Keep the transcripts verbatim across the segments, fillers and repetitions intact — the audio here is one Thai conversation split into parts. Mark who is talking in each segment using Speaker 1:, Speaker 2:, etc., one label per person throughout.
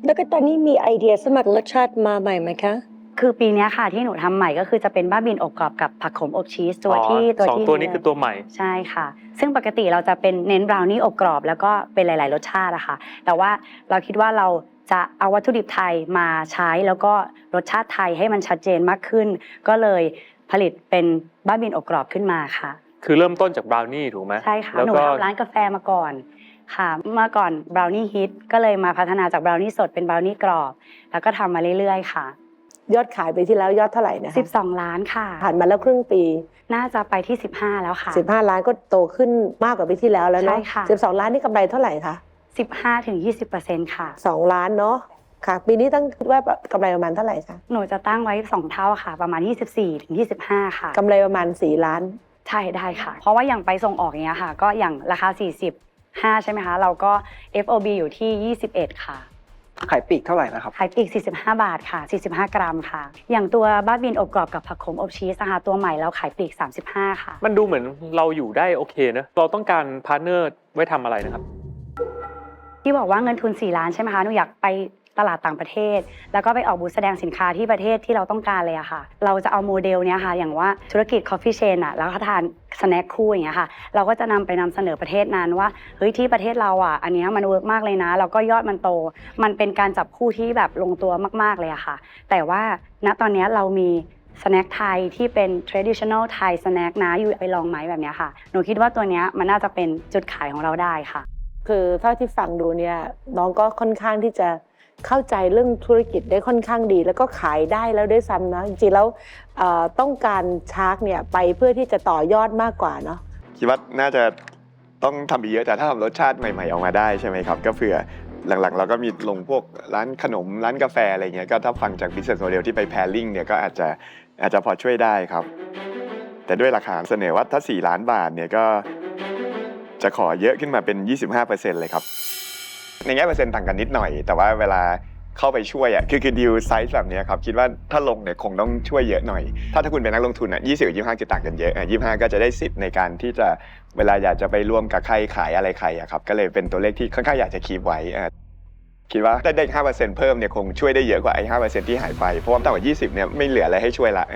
Speaker 1: แล้วก็ตอนนี้มีไอเดียสมัครรสชาติมาใหม่ไหมคะ
Speaker 2: คือปีนี้ค่ะที่หนูทำใหม่ก็คือจะเป็นบ้าบินอบกรอบกับผักขมอบชีสตัวที่
Speaker 3: ตัวที่สองตัวนี้คือตัวใหม่
Speaker 2: ใช่ค่ะซึ่งปกติเราจะเป็นเน้นบราวนี่อบกรอบแล้วก็เป็นหลายๆรสชาติอะค่ะแต่ว่าเราคิดว่าเราจะเอาวัตถุดิบไทยมาใช้แล้วก็รสชาติไทยให้มันชัดเจนมากขึ้นก็เลยผลิตเป็นบ้าบินอบกรอบขึ้นมาค่ะ
Speaker 3: คือเริ่มต้นจากบราวนี่ถูกไหม
Speaker 2: ใช่ค่ะหนูทำร้านกาแฟมาก่อนค่ะเมื่อก่อนบราวนี่ฮิตก็เลยมาพัฒนาจากบราวนี่สดเป็นบราวนี่กรอบแล้วก็ทำมาเรื่อยๆค่ะ
Speaker 1: ยอดขายไปที่แล้วยอดเท่าไหร่นะคะ
Speaker 2: สิบสองล้านค่ะ
Speaker 1: ผ่านมาแล้วครึ่งปี
Speaker 2: น่าจะไปที่สิบห้าแล้วค่ะ
Speaker 1: สิบห้าล้านก็โตขึ้นมากกว่าปีที่แล้วแล้วเนาะ
Speaker 2: ใช่ค่ะ
Speaker 1: สิบสองล้านนี่กำไรเท่าไหร่คะ
Speaker 2: สิบห้าถึงยี่สิบเปอร์เซ็นต์ ค่ะ
Speaker 1: สองล้านเนาะค่ะปีนี้ตั้งคิดว่ากำไรประมาณเท่าไหร่คะ
Speaker 2: หนูจะตั้งไว้สองเท่าค่ะประมาณยี่สิบสี่ถึงยี่สิบห้าค่ะ
Speaker 1: กำไรประมาณสี่ล้าน
Speaker 2: ใช่ได้ค่ะเพราะว่าอย่างไปส่งออกอย่างเงี้ยค่ะก็อย่างราคาสี่สิบห้าใช่ไหมคะเราก็ เอฟ โอ บี อยู่ที่ยี่สิบเอ็ดค่ะ
Speaker 4: ขายปลีกเท่าไหร่นะครับ
Speaker 2: ขายปลีกสี่สิบห้าบาทค่ะสี่สิบห้ากรัมค่ะอย่างตัวบ้าบินอบกรอบกับผักขมอบชีสนะคะตัวใหม่เราขายปลีกสามสิบห้าค่ะ
Speaker 3: มันดูเหมือนเราอยู่ได้โอเคนะเราต้องการพาร์ทเนอร์ไว้ทำอะไรนะครับ
Speaker 2: ที่บอกว่าเงินทุนสี่ล้านใช่ไหมคะหนูอยากไปตลาดต่างประเทศแล้วก็ไปออกบูธแสดงสินค้าที่ประเทศที่เราต้องการเลยอะค่ะเราจะเอาโมเดลเนี้ยค่ะอย่างว่าธุรกิจ Coffee Chain อะแล้วก็ทานสแน็คคู่อย่างเงี้ยค่ะเราก็จะนำไปนำเสนอประเทศนั้นว่าเฮ้ยที่ประเทศเราอะอันเนี้ยมันเวิร์กมากเลยนะแล้วก็ยอดมันโตมันเป็นการจับคู่ที่แบบลงตัวมากๆเลยอะค่ะแต่ว่าณตอนนี้เรามีสแน็คไทยที่เป็น traditional Thai snack นะอยู่ไปลองไหมแบบเนี้ยค่ะหนูคิดว่าตัวเนี้ยมันน่าจะเป็นจุดขายของเราได้ค่ะ
Speaker 1: คือเท่าที่ฟังดูเนี่ยน้องก็ค่อนข้างที่จะเข้าใจเรื่องธุรกิจได้ค่อนข้างดีแล้วก็ขายได้แล้วด้วยซ้ำนะจริงๆแล้วต้องการชาร์กเนี่ยไปเพื่อที่จะต่อยอดมากกว่าเนาะ
Speaker 5: คิดว่าน่าจะต้องทำอีกเยอะแต่ถ้าทำรสชาติใหม่ๆออกมาได้ใช่ไหมครับก็เผื่อหลังๆเราก็มีลงพวกร้านขนมร้านกาแฟอะไรเงี้ยก็ถ้าฟังจาก business model ที่ไป pairing เนี่ยก็อาจจะอาจจะพอช่วยได้ครับแต่ด้วยราคาเสนอว่าถ้าสี่ล้านบาทเนี่ยก็จะขอเยอะขึ้นมาเป็น ยี่สิบห้าเปอร์เซ็นต์ เลยครับในแง่เปอร์เซ็นต์ต่างกันนิดหน่อยแต่ว่าเวลาเข้าไปช่วยอ่ะคือคือดีลไซส์แบบนี้ครับคิดว่าถ้าลงเนี่ยคงต้องช่วยเยอะหน่อยถ้าถ้าคุณเป็นนักลงทุนอ่ะยี่สิบกับยี่สิบห้าจะต่างกันเยอะอ่ะยี่สิบห้าก็จะได้สิทธิ์ในการที่จะเวลาอยากจะไปร่วมกับใครขายอะไรใครอ่ะครับก็เลยเป็นตัวเลขที่ค่อนข้างอยากจะคีปไว้อ่ะคิดว่าได้ได้ ห้าเปอร์เซ็นต์ เพิ่มเนี่ยคงช่วยได้เยอะกว่าไอ้ ห้าเปอร์เซ็นต์ ที่หายไปเพราะว่าต่ำกว่ายี่สิบเนี่ยไม่เหลืออะไรให้ช่วยละ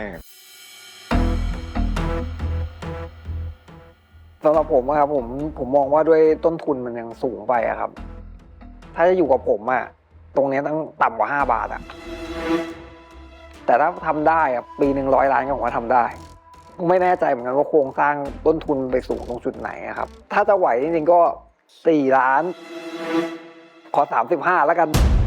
Speaker 4: สำหรับผมครับผมผมมองว่าด้วยต้นทุนมันยังสูงไปอะครับถ้าจะอยู่กับผมอะตรงนี้ต้องต่ำกว่าห้าบาทอะแต่ถ้าทำได้อะปีหนึ่งร้อยล้านก็ผมว่าทำได้ไม่แน่ใจเหมือนกันว่าโครงสร้างต้นทุนไปสูงตรงจุดไหนครับถ้าจะไหวจริงๆก็สี่ล้านขอสามสิบห้าแล้วกัน